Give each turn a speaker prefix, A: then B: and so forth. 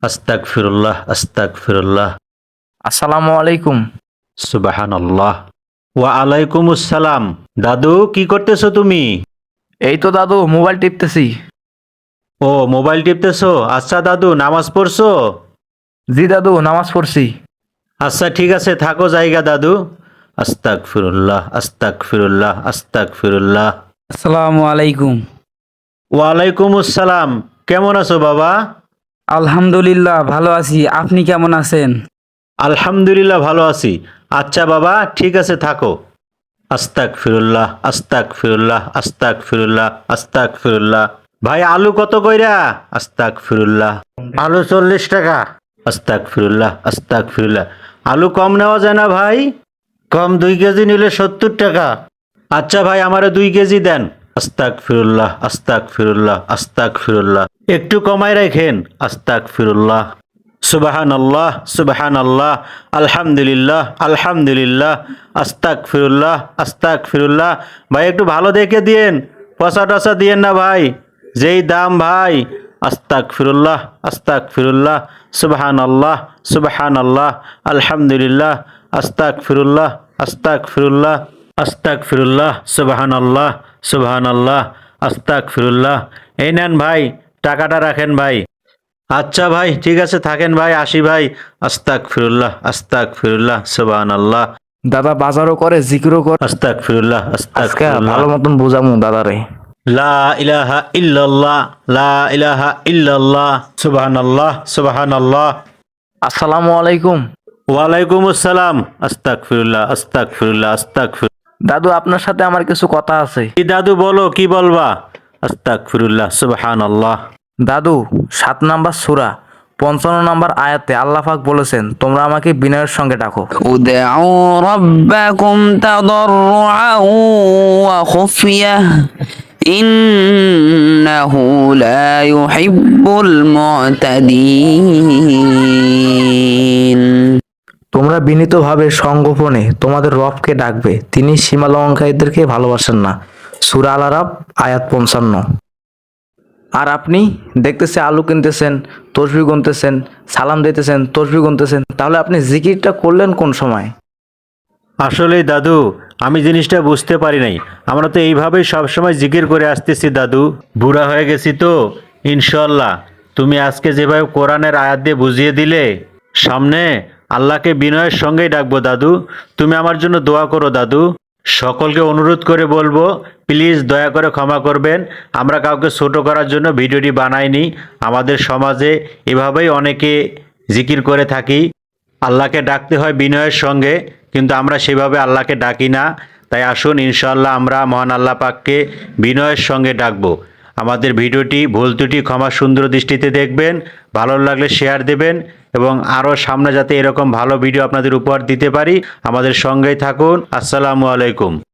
A: আস্তাগফিরুল্লাহ আস্তাগফিরুল্লাহ।
B: আসসালামু আলাইকুম।
A: সুবহানাল্লাহ। ওয়া আলাইকুমুস সালাম। দাদু কি করতেছো তুমি?
B: এই তো দাদু মোবাইল টিপতেছি।
A: ও মোবাইল টিপতেছো? আচ্ছা দাদু নামাজ পড়ছো?
B: জি দাদু নামাজ পড়ছি।
A: আচ্ছা ঠিক আছে থাকো জায়গা দাদু। আস্তাগফিরুল্লাহ আস্তাগফিরুল্লাহ আস্তাগফিরুল্লাহ।
C: আসসালামু আলাইকুম।
A: ওয়ালাইকুমুস সালাম। কেমন আছো বাবা?
C: আলহামদুলিল্লাহ ভালো আছি, আপনি কেমন আছেন?
A: আলহামদুলিল্লাহ ভালো আছি। আচ্ছা বাবা ঠিক আছে থাকো। আস্তাগফিরুল্লাহ আস্তাগফিরুল্লাহ আস্তাগফিরুল্লাহ আস্তাগফিরুল্লাহ। ভাই আলু কত কইরা? আস্তাগফিরুল্লাহ। আলু 40 টাকা। আস্তাগফিরুল্লাহ আস্তাগফিরুল্লাহ। আলু কম নেওয়া যায় না ভাই? কম 2 কেজি নিলে 70 টাকা। আচ্ছা ভাই আমারে 2 কেজি দেন। আস্তাগফিরুল্লাহ আস্তাগফিরুল্লাহ আস্তাগফিরুল্লাহ। একটু কমাই রাখেন। আস্তাগফিরুল্লাহ। সুবহানাল্লাহ সুবহানাল্লাহ। আলহামদুলিল্লাহ আলহামদুলিল্লাহ। আস্তাগফিরুল্লাহ আস্তাগফিরুল্লাহ। ভাই একটু ভালো দেখে দিয়েন, পচা টচা দিয়েন না ভাই, যেই দাম ভাই। আস্তাগফিরুল্লাহ আস্তাগফিরুল্লাহ। সুবহানাল্লাহ সুবহানাল্লাহ। আলহামদুলিল্লাহ। আস্তাগফিরুল্লাহ আস্তাগফিরুল্লাহ আস্তাগফিরুল্লাহ। সুবহানাল্লাহ সুবহানাল্লাহ। আস্তাগফিরুল্লাহ। এই নেন ভাই, টাকাটা রাখেন ভাই। আচ্ছা ভাই ঠিক আছে থাকেন ভাই, আসি ভাই। আস্তাগফিরুল্লাহ আস্তাগফিরুল্লাহ। সুবহানাল্লাহ।
B: দাদা বাজারও করে জিকিরও করে।
A: আস্তাগফিরুল্লাহ
B: আজকে
A: আস্তাগফিরুল্লাহ।
B: ভালো মতন বোঝামু দাদারে।
A: লা ইলাহা ইল্লাল্লাহ লা ইলাহা ইল্লাল্লাহ। সুবহানাল্লাহ সুবহানাল্লাহ।
B: আসসালামু আলাইকুম।
A: ওয়ালাইকুম আসসালাম। আস্তাগফিরুল্লাহ আস্তাগফিরুল্লাহ আস্তাগফিরুল্লাহ।
B: দাদু আপনার সাথে আমার কিছু কথা আছে।
A: কি দাদু বলো, কি বলবা? আস্তাগফিরুল্লাহ সুবহানাল্লাহ।
B: দাদু 7 নাম্বার সূরা 55 নাম্বার আয়াতে আল্লাহ পাক বলেছেন তোমরা আমাকে বিনয়ের সঙ্গে ডাকো।
C: উদউ রাব্বাকুম তাদাররুআন ওয়া খুফিয়া ইন্নাহু লা ইউহিব্বুল মু'তাদিন।
B: তোমরা বিনীতভাবে সংগোপনে তোমাদের রবকে ডাকবে, তিনি সীমা লঙ্ঘনকারীদেরকে ভালোবাসেন না। সূরা আল আরাফ আয়াত 55। আর আপনি দেখতেছে আলু কিনতেছেন, তসবিহ গুনতেছেন, সালাম দিতেছেন, তসবিহ গুনতেছেন, তাহলে আপনি জিকিরটা করলেন কোন সময়?
A: আসলেই দাদু আমি জিনিসটা বুঝতে পারি নাই। আমরা তো এইভাবেই সবসময় জিকির করে আসতেছি দাদু, বুড়া হয়ে গেছি তো। ইনশাল্লাহ তুমি আজকে যেভাবে কোরআনের আয়াত দিয়ে বুঝিয়ে দিলে, সামনে আল্লাহকে বিনয়ের সঙ্গেই ডাকবো দাদু। তুমি আমার জন্য দোয়া করো দাদু। সকলকে অনুরোধ করে বলবো প্লিজ দয়া করে ক্ষমা করবেন, আমরা কাউকে ছোট করার জন্য ভিডিওটি বানাইনি। আমাদের সমাজে এভাবেই অনেকে জিকির করে থাকি, আল্লাহকে ডাকতে হয় বিনয়ের সঙ্গে, কিন্তু আমরা সেভাবে আল্লাহকে ডাকি না। তাই আসুন ইনশাআল্লাহ আমরা মহান আল্লাহ পাককে বিনয়ের সঙ্গে ডাকবো। আমাদের ভিডিওটি ভুল ত্রুটি ক্ষমা সুন্দর দৃষ্টিতে দেখবেন, ভালো লাগলে শেয়ার দেবেন, এবং আরও সামনে যাতে এরকম ভালো ভিডিও আপনাদের উপহার দিতে পারি আমাদের সঙ্গেই থাকুন। আসসালামু আলাইকুম।